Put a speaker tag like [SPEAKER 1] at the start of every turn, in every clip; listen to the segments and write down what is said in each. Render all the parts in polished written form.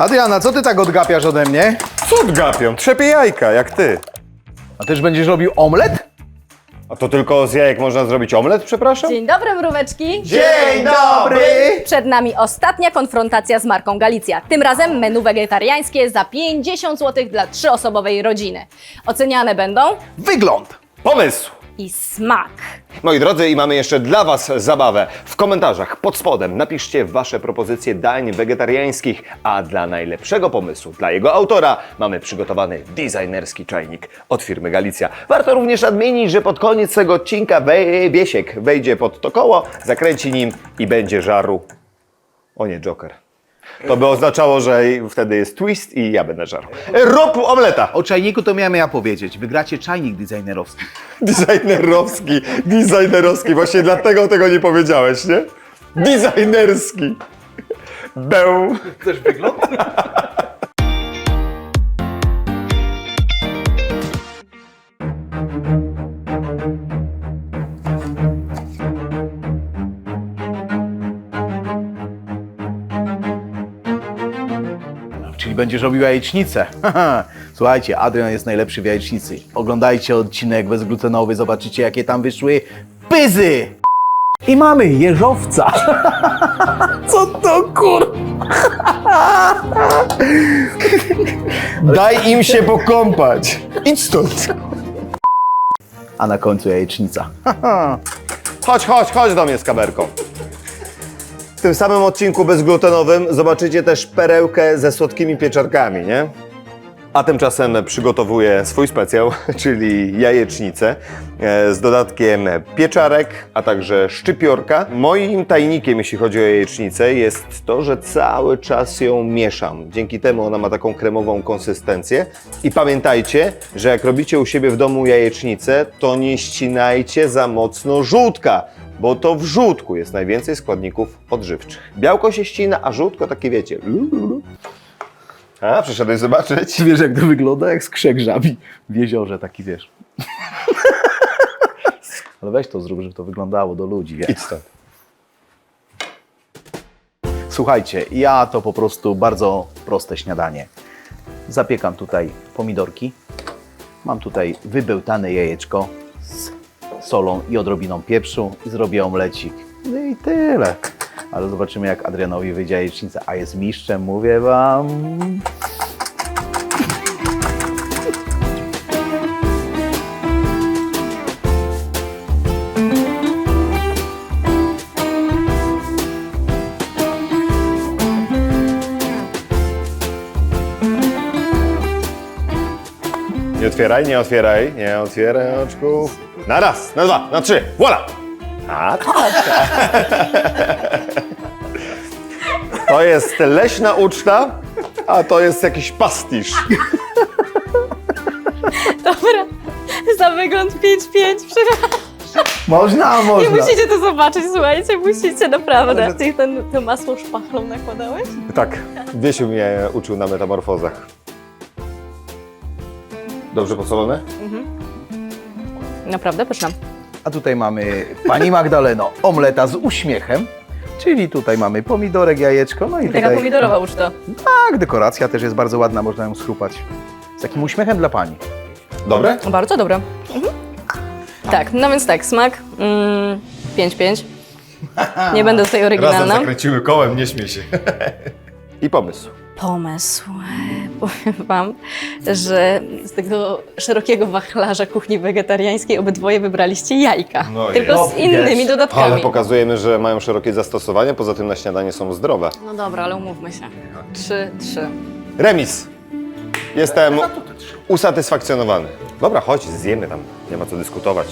[SPEAKER 1] Adriana, co ty tak odgapiasz ode mnie?
[SPEAKER 2] Co odgapią? Trzepie jajka, jak ty.
[SPEAKER 1] A też będziesz robił omlet?
[SPEAKER 2] A to tylko z jajek można zrobić omlet, przepraszam?
[SPEAKER 3] Dzień dobry, mróweczki!
[SPEAKER 1] Dzień dobry!
[SPEAKER 3] Przed nami ostatnia konfrontacja z marką Galicja. Tym razem menu wegetariańskie za 50 zł dla 3-osobowej rodziny. Oceniane będą
[SPEAKER 1] Wygląd!
[SPEAKER 2] Pomysł!
[SPEAKER 3] i smak.
[SPEAKER 2] Moi drodzy, i mamy jeszcze dla Was zabawę. W komentarzach pod spodem napiszcie Wasze propozycje dań wegetariańskich, a dla najlepszego pomysłu, dla jego autora, mamy przygotowany designerski czajnik od firmy Galicja. Warto również nadmienić, że pod koniec tego odcinka Biesiek wejdzie pod to koło, zakręci nim i będzie żarł. O nie, Joker. To by oznaczało, że wtedy jest twist i ja będę żarł. Rób omleta!
[SPEAKER 1] O czajniku to miałem ja powiedzieć. Wygracie czajnik designerowski.
[SPEAKER 2] Designerowski, właśnie dlatego tego nie powiedziałeś, nie? Designerski. Beł.
[SPEAKER 1] Też wygląd? Czyli będziesz robił jajecznicę. Słuchajcie, Adrian jest najlepszy w jajecznicy. Oglądajcie odcinek bezglutenowy, zobaczycie jakie tam wyszły pyzy! I mamy jeżowca. Co to kur...
[SPEAKER 2] Daj im się pokąpać. Idź stąd.
[SPEAKER 1] A na końcu jajecznica.
[SPEAKER 2] Chodź do mnie z kamerką. W tym samym odcinku bezglutenowym zobaczycie też perełkę ze słodkimi pieczarkami, nie? A tymczasem przygotowuję swój specjał, czyli jajecznicę z dodatkiem pieczarek, a także szczypiorka. Moim tajnikiem, jeśli chodzi o jajecznicę, jest to, że cały czas ją mieszam. Dzięki temu ona ma taką kremową konsystencję. I pamiętajcie, że jak robicie u siebie w domu jajecznicę, to nie ścinajcie za mocno żółtka, bo to w żółtku jest najwięcej składników odżywczych. Białko się ścina, a żółtko takie wiecie. A, przyszedłeś zobaczyć?
[SPEAKER 1] Wiesz jak to wygląda? Jak skrzek żabi w jeziorze, taki wiesz. Ale weź to zrób, żeby to wyglądało do ludzi, wiesz.
[SPEAKER 2] Idź stąd.
[SPEAKER 1] Słuchajcie, ja to po prostu bardzo proste śniadanie. Zapiekam tutaj pomidorki. Mam tutaj wybełtane jajeczko z solą i odrobiną pieprzu i zrobię omlecik. No i tyle. Ale zobaczymy jak Adrianowi wyjdzie jajecznica, a jest mistrzem, mówię wam.
[SPEAKER 2] Nie otwieraj oczków. Na raz, na dwa, na trzy, voila! A, to jest leśna uczta, a to jest jakiś pastisz.
[SPEAKER 3] Dobra, za wygląd 5-5, przepraszam.
[SPEAKER 1] Można,
[SPEAKER 3] Nie
[SPEAKER 1] można.
[SPEAKER 3] musicie to zobaczyć, słuchajcie, musicie, naprawdę. Ty to masło szpachlą nakładałeś?
[SPEAKER 2] Tak, Wiesiu mnie uczył na metamorfozach. Dobrze posolone?
[SPEAKER 3] Naprawdę pyszna.
[SPEAKER 1] A tutaj mamy pani Magdaleno, omleta z uśmiechem. Czyli tutaj mamy pomidorek, jajeczko, no i
[SPEAKER 3] Taka
[SPEAKER 1] tutaj...
[SPEAKER 3] pomidorowa uczta.
[SPEAKER 1] Tak, dekoracja też jest bardzo ładna, można ją schrupać. Z takim uśmiechem dla pani.
[SPEAKER 2] Dobre?
[SPEAKER 3] Bardzo dobre. Tak, no więc tak, smak 5-5. Nie będę tutaj oryginalna.
[SPEAKER 2] zakręciły kołem, nie śmiej się. I pomysł.
[SPEAKER 3] Pomysł. Powiem wam, że z tego szerokiego wachlarza kuchni wegetariańskiej obydwoje wybraliście jajka.
[SPEAKER 2] No
[SPEAKER 3] tylko z innymi dodatkami.
[SPEAKER 2] Ale pokazujemy, że mają szerokie zastosowanie, poza tym na śniadanie są zdrowe.
[SPEAKER 3] No dobra, ale umówmy się. 3-3.
[SPEAKER 2] Remis. Jestem usatysfakcjonowany. Dobra, chodź, zjemy tam. Nie ma co dyskutować.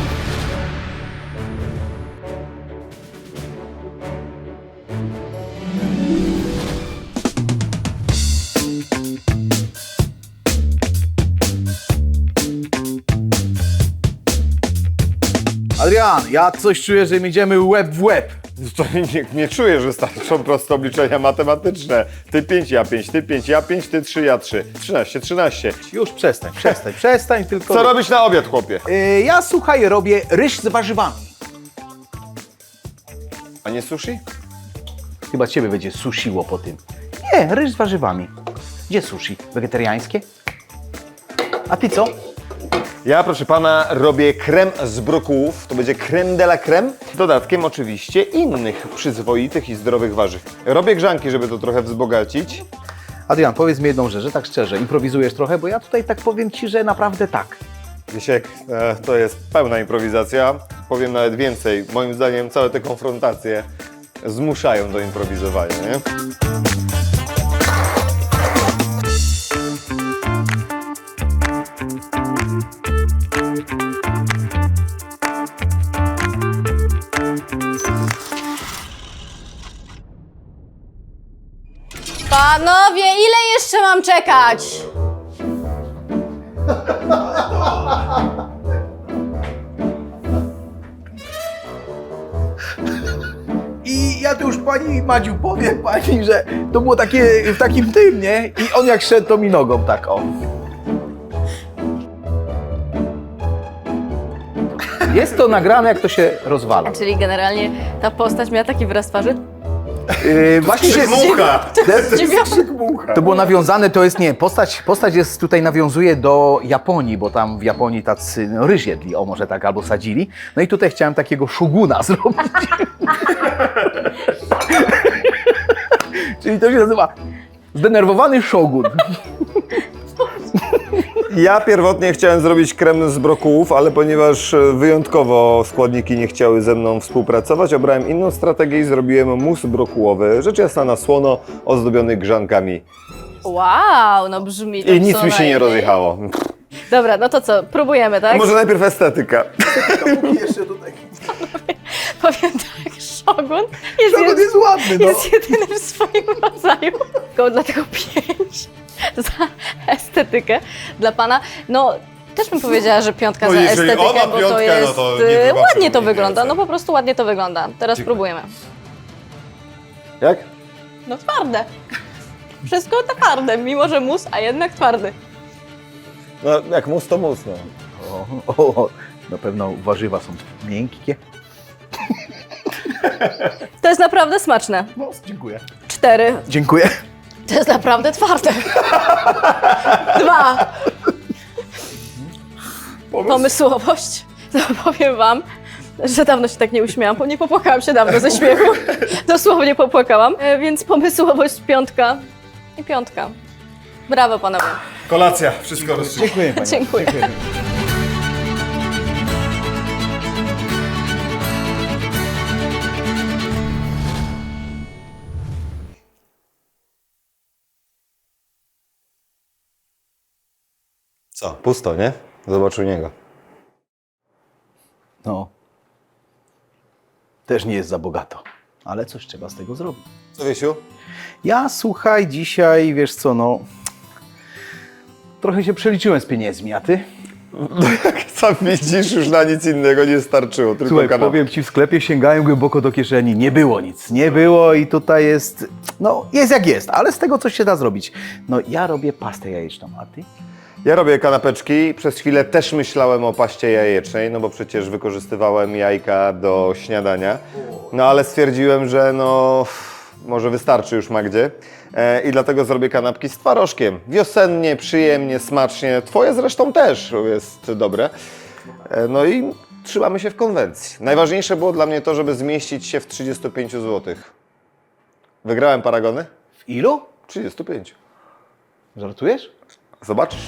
[SPEAKER 1] Adrian, ja coś czuję, że my idziemy łeb w łeb.
[SPEAKER 2] To nie czuję, że starczą proste obliczenia matematyczne. Ty 5, ja 5, ty 5, ja 5, ty 3, ja 3. 13.
[SPEAKER 1] Już przestań tylko.
[SPEAKER 2] Co robisz na obiad, chłopie?
[SPEAKER 1] Ja słuchaj, robię ryż z warzywami.
[SPEAKER 2] A nie sushi?
[SPEAKER 1] Chyba ciebie będzie susiło po tym. Nie, ryż z warzywami. Gdzie sushi? Wegetariańskie? A ty co?
[SPEAKER 2] Ja, proszę pana, robię krem z brokułów. To będzie creme de la creme. Dodatkiem oczywiście innych przyzwoitych i zdrowych warzyw. Robię grzanki, żeby to trochę wzbogacić.
[SPEAKER 1] Adrian, powiedz mi jedną rzecz, że tak szczerze, improwizujesz trochę, bo ja tutaj tak powiem ci, że naprawdę tak.
[SPEAKER 2] Wiesiek, to jest pełna improwizacja. Powiem nawet więcej. Moim zdaniem całe te konfrontacje zmuszają do improwizowania, nie?
[SPEAKER 3] Panowie, ile jeszcze mam czekać?
[SPEAKER 1] I ja tu już pani Madziu powiem pani, że to było takie w takim tym, nie? I on jak szedł, to mi nogą tak, o. Jest to nagrane, jak to się rozwala.
[SPEAKER 3] Czyli generalnie ta postać miała taki wyraz twarzy?
[SPEAKER 1] Właśnie to było nawiązane, to jest, nie, postać jest tutaj, nawiązuje do Japonii, bo tam w Japonii tacy ryż jedli, o może tak, albo sadzili. No i tutaj chciałem takiego szuguna zrobić. Czyli to się nazywa zdenerwowany szogun.
[SPEAKER 2] Ja pierwotnie chciałem zrobić krem z brokułów, ale ponieważ wyjątkowo składniki nie chciały ze mną współpracować, obrałem inną strategię i zrobiłem mus brokułowy, rzecz jasna na słono, ozdobiony grzankami.
[SPEAKER 3] Wow, no brzmi to
[SPEAKER 2] I nic
[SPEAKER 3] co
[SPEAKER 2] mi się nie
[SPEAKER 3] najmniej.
[SPEAKER 2] rozjechało.
[SPEAKER 3] Dobra, no to co, próbujemy, tak?
[SPEAKER 2] Może najpierw estetyka.
[SPEAKER 3] Powiem tak, Shogun
[SPEAKER 1] Jest ładny, no.
[SPEAKER 3] jest jedyny w swoim rodzaju. Tylko dlatego 5 za estetykę dla pana. No, też bym powiedziała, że 5
[SPEAKER 2] No
[SPEAKER 3] za
[SPEAKER 2] jeżeli
[SPEAKER 3] estetykę,
[SPEAKER 2] ona
[SPEAKER 3] bo to
[SPEAKER 2] piątka,
[SPEAKER 3] jest...
[SPEAKER 2] no to nie wybaczymy
[SPEAKER 3] ładnie to
[SPEAKER 2] mi
[SPEAKER 3] wygląda,
[SPEAKER 2] więcej.
[SPEAKER 3] no po prostu ładnie to wygląda. Teraz próbujemy.
[SPEAKER 2] Jak?
[SPEAKER 3] No twarde. Wszystko twarde, mimo że mus, a jednak twardy.
[SPEAKER 2] No jak mus to mus, no.
[SPEAKER 1] O, na pewno warzywa są miękkie.
[SPEAKER 3] To jest naprawdę smaczne.
[SPEAKER 1] No, dziękuję.
[SPEAKER 3] 4.
[SPEAKER 1] Dziękuję.
[SPEAKER 3] To jest naprawdę twarde. 2. Pomysłowość. No, powiem wam, że dawno się tak nie uśmiałam, bo nie popłakałam się dawno ze śmiechu. Dosłownie popłakałam. Więc pomysłowość 5 i 5. Brawo panowie.
[SPEAKER 2] Kolacja, wszystko rozstrzygnie.
[SPEAKER 1] Dziękuję pani.
[SPEAKER 3] Dziękuję.
[SPEAKER 2] Co? Pusto, nie? Zobacz u niego.
[SPEAKER 1] No. Też nie jest za bogato, ale coś trzeba z tego zrobić.
[SPEAKER 2] Co, Wiesiu?
[SPEAKER 1] Ja, słuchaj, dzisiaj, wiesz co, no... Trochę się przeliczyłem z pieniędzmi, a ty?
[SPEAKER 2] Sam widzisz, już na nic innego nie starczyło, tylko
[SPEAKER 1] Słuchaj,
[SPEAKER 2] kanapę.
[SPEAKER 1] powiem ci, w sklepie sięgałem głęboko do kieszeni, nie było nic, nie było i tutaj jest, no jest jak jest, ale z tego coś się da zrobić. No ja robię pastę jajeczną, a ty?
[SPEAKER 2] Ja robię kanapeczki. Przez chwilę też myślałem o paście jajecznej, no bo przecież wykorzystywałem jajka do śniadania. No ale stwierdziłem, że no może wystarczy już Magdzie. I dlatego zrobię kanapki z twarożkiem. Wiosennie, przyjemnie, smacznie. Twoje zresztą też jest dobre. No i trzymamy się w konwencji. Najważniejsze było dla mnie to, żeby zmieścić się w 35 zł. Wygrałem paragony?
[SPEAKER 1] W ilu?
[SPEAKER 2] 35.
[SPEAKER 1] Żartujesz?
[SPEAKER 2] Zobaczysz.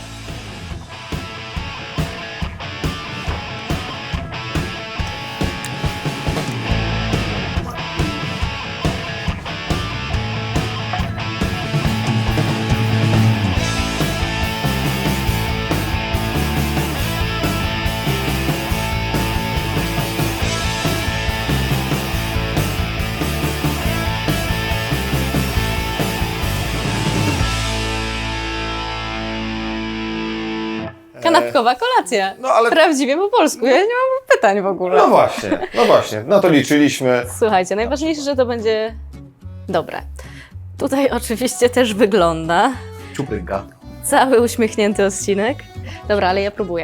[SPEAKER 3] Kanapkowa kolacja.
[SPEAKER 2] No, ale-
[SPEAKER 3] Prawdziwie po polsku. Ja nie mam pytań w ogóle.
[SPEAKER 2] No właśnie. No to liczyliśmy.
[SPEAKER 3] Słuchajcie, najważniejsze, że to będzie dobre. Tutaj oczywiście też wygląda
[SPEAKER 1] Czuprynka.
[SPEAKER 3] cały uśmiechnięty odcinek. Dobra, ale ja próbuję.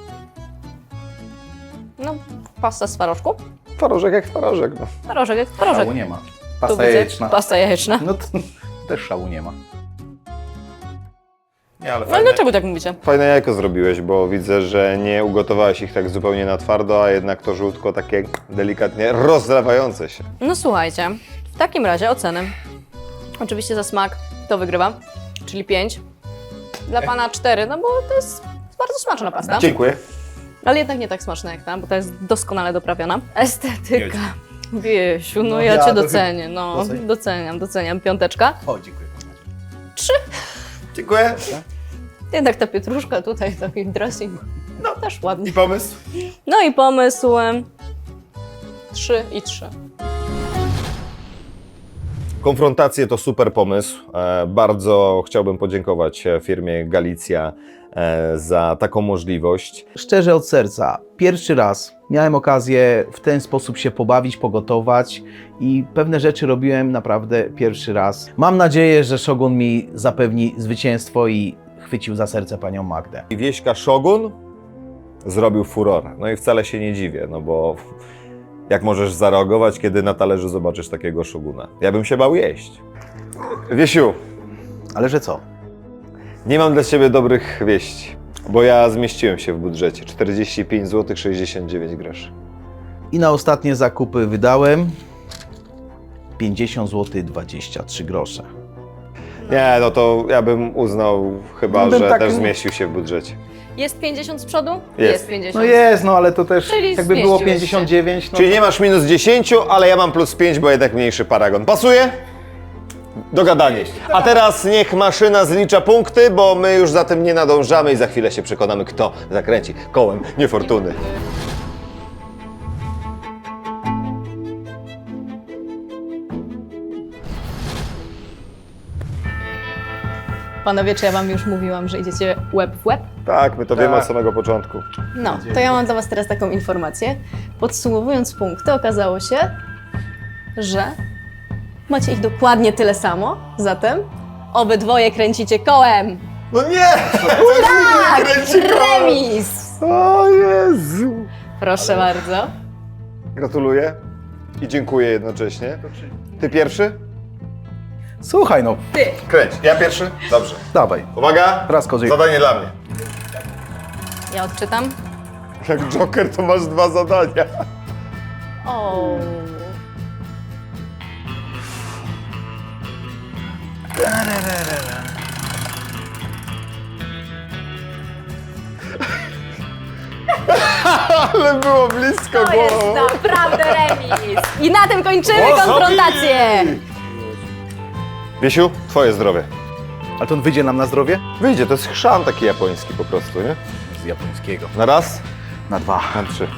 [SPEAKER 3] No, pasta z twarożku.
[SPEAKER 2] Twarożek jak twarożek. No.
[SPEAKER 3] Twarożek jak twarożek.
[SPEAKER 1] Mało nie ma.
[SPEAKER 3] Tu
[SPEAKER 1] Pasta
[SPEAKER 3] widzę
[SPEAKER 1] jajeczna.
[SPEAKER 3] Pasta jajeczna.
[SPEAKER 1] No to też szału nie ma.
[SPEAKER 2] Nie, ale
[SPEAKER 3] No ale dlaczego tak mówicie?
[SPEAKER 2] Fajne jajko zrobiłeś, bo widzę, że nie ugotowałeś ich tak zupełnie na twardo, a jednak to żółtko takie delikatnie rozlewające się.
[SPEAKER 3] No słuchajcie, w takim razie oceny. Oczywiście za smak to wygrywa, czyli 5. Dla pana 4, no bo to jest bardzo smaczna pasta.
[SPEAKER 2] Dziękuję.
[SPEAKER 3] Ale jednak nie tak smaczna jak ta, bo ta jest doskonale doprawiona. Estetyka. Wiesiu, no
[SPEAKER 1] No
[SPEAKER 3] ja
[SPEAKER 1] ja
[SPEAKER 3] cię
[SPEAKER 1] to
[SPEAKER 3] docenię, no.
[SPEAKER 1] Doceniam.
[SPEAKER 3] Doceniam. 5.
[SPEAKER 1] O, dziękuję.
[SPEAKER 3] 3.
[SPEAKER 2] Dziękuję.
[SPEAKER 3] Jednak ta pietruszka tutaj, taki dressing, no też ładnie.
[SPEAKER 2] I pomysł?
[SPEAKER 3] No i pomysł 3 i 3.
[SPEAKER 2] Konfrontacje to super pomysł. Bardzo chciałbym podziękować firmie Galicja za taką możliwość.
[SPEAKER 1] Szczerze od serca, pierwszy raz miałem okazję w ten sposób się pobawić, pogotować i pewne rzeczy robiłem naprawdę pierwszy raz. Mam nadzieję, że Shogun mi zapewni zwycięstwo i chwycił za serce panią Magdę.
[SPEAKER 2] I wieśka Shogun zrobił furor. No i wcale się nie dziwię, no bo jak możesz zareagować, kiedy na talerzu zobaczysz takiego Shoguna? Ja bym się bał jeść. Wiesiu,
[SPEAKER 1] Ale że co?
[SPEAKER 2] nie mam dla Ciebie dobrych wieści, bo ja zmieściłem się w budżecie. 45 zł 69 groszy.
[SPEAKER 1] I na ostatnie zakupy wydałem 50 zł 23 grosze.
[SPEAKER 2] Nie, no to ja bym uznał chyba,
[SPEAKER 1] No bym
[SPEAKER 2] że
[SPEAKER 1] tak-
[SPEAKER 2] też zmieścił się w budżecie.
[SPEAKER 3] Jest 50 z przodu?
[SPEAKER 2] Jest.
[SPEAKER 3] 50.
[SPEAKER 1] No jest, no ale to też
[SPEAKER 3] Czyli
[SPEAKER 1] jakby było
[SPEAKER 3] zmieściłeś się.
[SPEAKER 1] 59, no
[SPEAKER 2] Czyli nie masz minus 10, ale ja mam plus 5, bo jednak mniejszy paragon. Pasuje? Dogadanie. A teraz niech maszyna zlicza punkty, bo my już za tym nie nadążamy i za chwilę się przekonamy, kto zakręci kołem niefortuny.
[SPEAKER 3] Panowie, czy ja wam już mówiłam, że idziecie łeb w łeb?
[SPEAKER 2] Tak, my to wiemy od samego początku.
[SPEAKER 3] No, to ja mam dla was teraz taką informację. Podsumowując punkty, okazało się, że macie ich dokładnie tyle samo, zatem obydwoje kręcicie kołem.
[SPEAKER 2] No nie!
[SPEAKER 3] Tak! Remis!
[SPEAKER 2] O Jezu!
[SPEAKER 3] Proszę bardzo.
[SPEAKER 2] Gratuluję i dziękuję jednocześnie. Ty pierwszy?
[SPEAKER 1] Słuchaj, no
[SPEAKER 2] Kręć. Ja pierwszy? Dobrze.
[SPEAKER 1] dawaj.
[SPEAKER 2] Uwaga!
[SPEAKER 1] Raz kozik.
[SPEAKER 2] Zadanie dla mnie.
[SPEAKER 3] Ja odczytam.
[SPEAKER 2] Jak Joker to masz 2 zadania.
[SPEAKER 3] O.
[SPEAKER 2] Ale było blisko
[SPEAKER 3] To jest naprawdę remis. I na tym kończymy konfrontację.
[SPEAKER 2] Wiesiu, twoje zdrowie.
[SPEAKER 1] Ale to on wyjdzie nam na zdrowie?
[SPEAKER 2] Wyjdzie, to jest chrzan taki japoński po prostu, nie?
[SPEAKER 1] Z japońskiego.
[SPEAKER 2] Na raz,
[SPEAKER 1] Na 2.
[SPEAKER 2] na 3.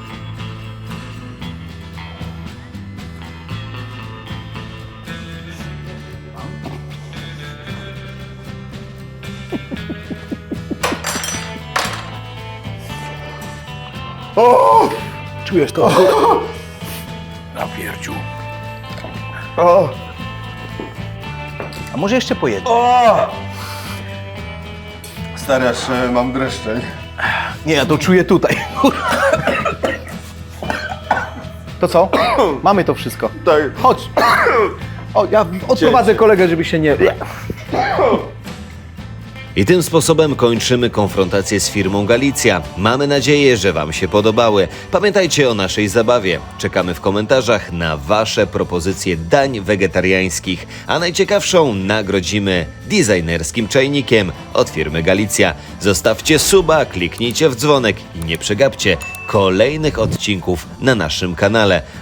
[SPEAKER 2] O!
[SPEAKER 1] Czujesz to? Na pierdziu.
[SPEAKER 2] O!
[SPEAKER 1] A może jeszcze pojedzie?
[SPEAKER 2] O! Stary, aż mam dreszcze.
[SPEAKER 1] Nie, ja to czuję tutaj. To co? Mamy to wszystko.
[SPEAKER 2] Tak.
[SPEAKER 1] Chodź. O, ja odprowadzę kolegę, żeby się nie...
[SPEAKER 4] I tym sposobem kończymy konfrontację z firmą Galicja. Mamy nadzieję, że Wam się podobały. Pamiętajcie o naszej zabawie. Czekamy w komentarzach na Wasze propozycje dań wegetariańskich, a najciekawszą nagrodzimy designerskim czajnikiem od firmy Galicja. Zostawcie suba, kliknijcie w dzwonek i nie przegapcie kolejnych odcinków na naszym kanale.